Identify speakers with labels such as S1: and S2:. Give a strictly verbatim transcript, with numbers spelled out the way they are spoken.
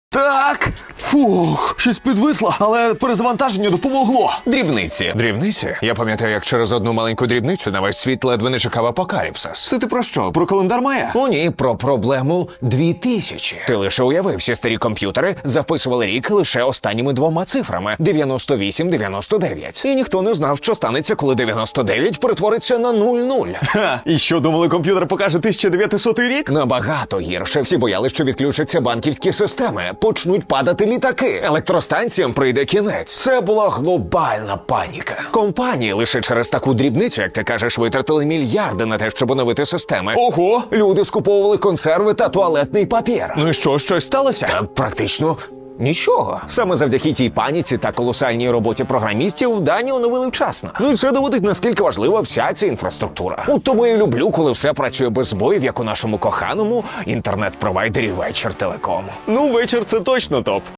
S1: Так, фух, щось підвисло, але перезавантаження допомогло.
S2: Дрібниці. Дрібниці? Я пам'ятаю, як через одну маленьку дрібницю на весь світ ледве не чекав апокаліпсис.
S1: Це ти про що? Про календар Майя?
S2: О ні, про проблему дві тисячі. Ти лише уяви, всі старі комп'ютери записували рік лише останніми двома цифрами – дев'яносто вісім дев'яносто дев'ять. І ніхто не знав, що станеться, коли дев'яносто дев'ять перетвориться на нуль нуль.
S1: Ха, і що, думали, комп'ютер покаже тисяча дев'ятисотий рік?
S2: Набагато гірше. Всі боялися, що відключаться банківські системи, почнуть падати літаки, електростанціям прийде кінець. Це була глобальна паніка. Компанії лише через таку дрібницю, як ти кажеш, витратили мільярди на те, щоб оновити системи.
S1: Ого!
S2: Люди скуповували консерви та туалетний папір.
S1: Ну і що, щось сталося?
S2: Та практично нічого. Саме завдяки тій паніці та колосальній роботі програмістів дані оновили вчасно. Ну і це доводить, наскільки важлива вся ця інфраструктура. От тому я люблю, коли все працює без збоїв, як у нашому коханому інтернет-провайдері Вечір Телеком.
S1: Ну, вечір це точно топ.